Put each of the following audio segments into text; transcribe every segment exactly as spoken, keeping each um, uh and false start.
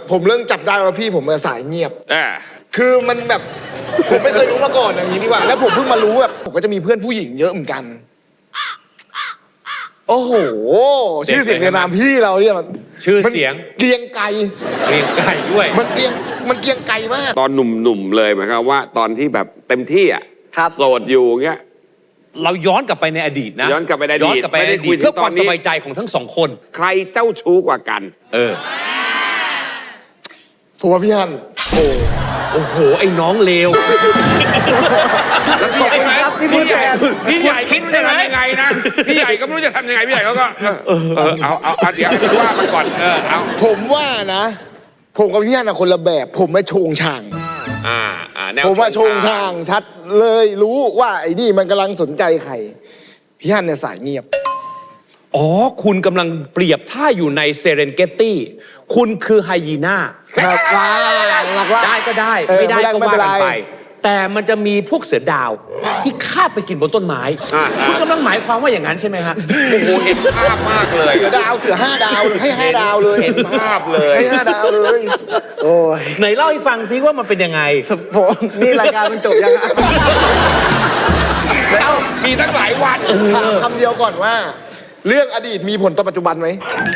ผมเริ่มจับได้ว่าพี่ผมเป็นสายเงียบอ่าคือมันแบบผมไม่เคยรู้มาก่อนอย่างนี้ดีกว่าแล้วผมเพิ่งมารู้แบบผมก็จะมีเพื่อนผู้หญิงเยอะเหมือนกันโอ้โหชื่อเสียงในนามพี่เราเนี่ยมันชื่อเสียงเกรียงไกรเกรียงไกรด้วยมันเกรียงมันเกรียงไกรมากตอนหนุ่มๆเลยหมายความว่าตอนที่แบบเต็มที่อ่ะครับโสดอยู่เงี้ยเราย้อนกลับไปในอดีตนะย้อนกลับไปในอดีตย้อนกลับไปในอไม่ได้คุดียตถึงเพื่อความตอนนี้สบายใจของทั้งสองคนใครเจ้าชู้กว่ากันเออผมว่าพี่ฮันโอ้โอ้โห ไอ้น้องเลวแล้วพี่ใหญ่ขอบคุณครับที่พูดแทนพี่ใหญ่คิดใช่ไหมยังไงนะพี่ใหญ่ก็ไม่รู้จะทำยังไงพี่ใหญ่เขาก็เออเออเอาเอาเอาเดี๋ยวว่ามันก่อนเออเอาผมว่านะ ผมกับพี่ฮันนะคนละแบบ ผมไม่โชงช่างอ่าอ่าแนวผมว่าโชงช่างชัดเลยรู้ว่าไอ้นี่มันกำลังสนใจใครพี่ฮันเนี่ยสายเงียบอ๋อ คุณกำลังเปรียบท่าอยู่ในเซเรนเกตตี้คุณคือไฮยีน่าครับล่าหลักล่าได้ก็ได้เออไม่ได้ก็ไม่ว่าเป็นกัไรนไป แต่มันจะมีพวกเสือดาวที่คาบไปกินบนต้นไม้ คุณกำลังหมายความว่าอย่างนั้นใช่ไหมฮะโอ้โหเห็นภาพมากเลยเสือดาวเสือห้าดาวให้ห้าดาวเลยเห็นภาพเลยให้ห้าดาวเลย โอ้ยไหนเล่าให้ฟังซิว่ามันเป็นยังไงผมนี่รายการมันจบยังอะแล้วมีตั้งหลายวันถามคำเดียวก่อนว่า เรื่องอดีตมีผลต่อปัจจุบันไหม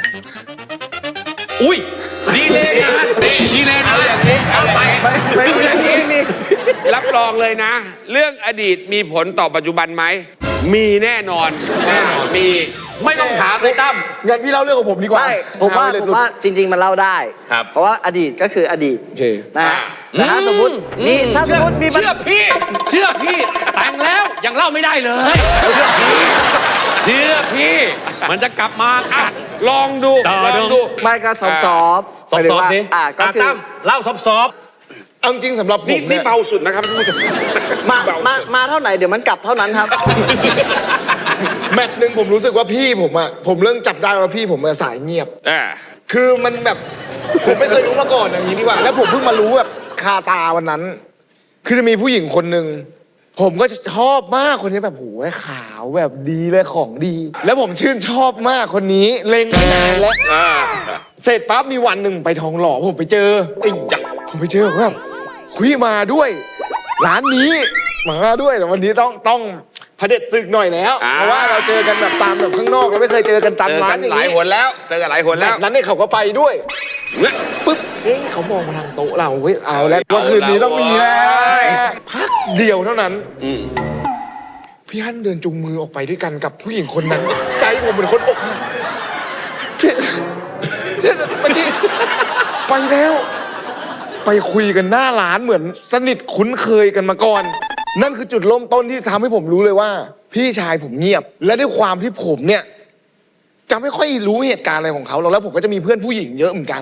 อุ้ยดีเลยนะดีเลยนะเอาอย่างนี้เอาอย่างนี้ไม่ไม่มีไม่มีรับรองเลยนะ เรื่องอดีตมีผลต่อปัจจุบันไหมมีแน่นอนแน่นอนมีไม่ต้องถามเลยตั้มงั้นพี่เล่าเรื่องของผมดีกว่าไม่ผมว่าเอเลยผมว่าจริง ๆ มันเล่าได้ครับเพราะว่าอดีตก็คืออดีตโอเคนะฮะแต่ถ้าสมมติมีถ้าสมมติมีปัญเชื่อพี่ เชื่อพี่ แต่งแล้วยังเล่าไม่ได้เลย เชื่อพี่ เชื่อพี่ มันจะกลับมาอ่ะลองดูต่อลองดูดูไม่ก็สอบสอบซอฟต์ๆดิอ่าก็อ่ะคือตั้มเล่าซอฟต์เอาจริงสำหรับผมนี่เนี่นี่ยเบาสุดนะครับท่านผู้ชมมาเบมาสุดมาเท่าไหร่เดี๋ยวมันกลับเท่านั้นครับแมตช์หนึ่งผมรู้สึกว่าพี่ผมอะผมเริ่มจับได้ว่าพี่ผมเป็นสายเงียบอ่าคือมันแบบผมไม่เคยรู้มาก่อนอย่างนี้ดีกว่า แล้วผมเพิ่งมารู้แบบคาตาวันนั้น คือจะมีผู้หญิงคนหนึ่งผมก็ชอบมากคนนี้แบบโหขาวแบบดีเลยของดี แล้วผมชื่นชอบมากคนนี้เล็งไม่นานแล้วอ่าเสร็จปั๊บมีวันหนึ่งไปทองหล่อผมไปเจอไอ้ยักษ์ผมไปเจอแบบคุยมาด้วย ร้านนี้มาด้วยแต่วันนี้ต้องต้องเผด็จศึกหน่อยแล้วอ่าเพราะว่าเราเจอกันแบบตามแบบข้างนอกเราไม่เคยเจอกันตามเจอร้ากัน นอย่างหลายนี้หนแล้วเจอกันหลายหนแบแล้วบนั้นเนี่ยเขาก็ไปด้วยเนี่ยปึ๊บเฮ้ยเขามองมาทางโต๊ะเราเฮ้ยเอาแล้วว่าคืนนี้ต้องมีแล้วพักเดียวเท่านั้นอืมพี่ฮั่นเดินจูงมือออกไปด้วยกันกับผู้หญิงคนนั้น ใจผมเหมือนคนอกหักพี่พี่เมื่อกี้ไปแล้ว ไปคุยกันหน้าร้านเหมือนสนิทคุ้นเคยกันมาก่อน นั่นคือจุดเริ่มต้นที่ทำให้ผมรู้เลยว่า พี่ชายผมเงียบ และด้วยความที่ผมเนี่ยจะไม่ค่อยรู้เหตุการณ์อะไรของเขาหรอกแล้วผมก็จะมีเพื่อนผู้หญิงเยอะเหมือนกัน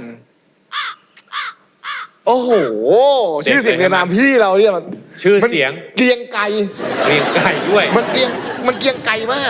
โอ้โห ชื่อเสียงในนามพี่เราเนี่ยมันๆ ชื่อเสียงเกรียงไกรเกรียงไกรด้วยมันเกรียงมันเกรียงไกรมาก